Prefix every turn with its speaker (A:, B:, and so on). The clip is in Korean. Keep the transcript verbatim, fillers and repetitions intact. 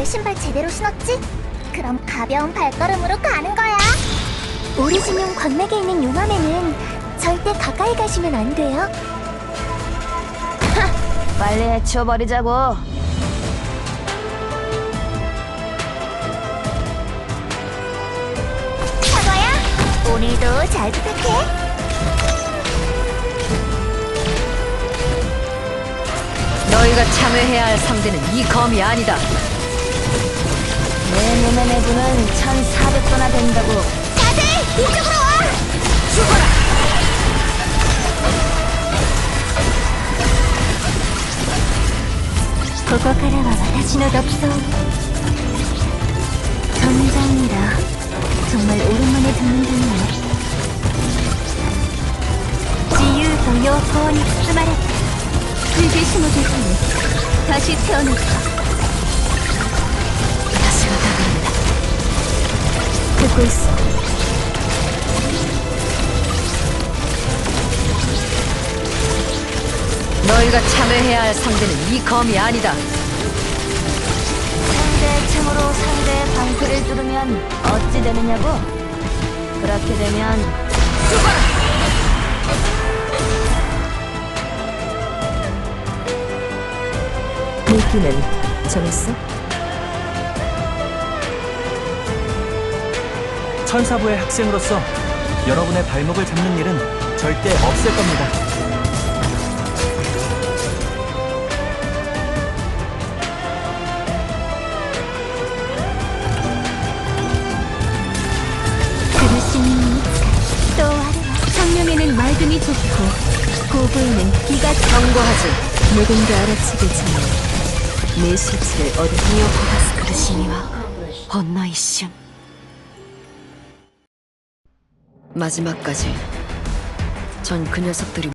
A: 다들 신발 제대로 신었지? 그럼 가벼운 발걸음으로 가는 거야. 오리진용 광맥에 있는 용암에는 절대 가까이 가시면 안 돼요.
B: 빨리 해치워버리자고.
A: 사과야, 오늘도 잘 부탁해.
B: 너희가 참여해야 할 상대는 이 검이 아니다. 내 몸의 내부는 천사백 도나 된다고.
A: 다들 이쪽으로 와!
B: 죽어라!
A: 고고카라와 와타시노 덥소. 전장이라 정말 오랜만에 듣는다네요. 지유도 요고니 쓰마랬다. 불길 신호를 통해 다시 태어났다.
B: 다시가 다가온다.
A: 듣고 있어.
B: 너희가 참여해야 할 상대는 이 검이 아니다. 상대의 층으로 상대의 방패를 뚫으면 어찌 되느냐고? 그렇게 되면 죽어라! 미끼는 정했어?
C: 천사부의 학생으로서 여러분의 발목을 잡는 일은 절대 없을 겁니다.
A: 그릇이니 또 아래와 성령에는 맑음이 좋고 고부에는 기가
B: 경고하지.
A: 누군가 알아채겠지만
B: 내 실체를 얻은 미오코가스 그르시니와 혼나이슌. 마지막까지 전 그 녀석들이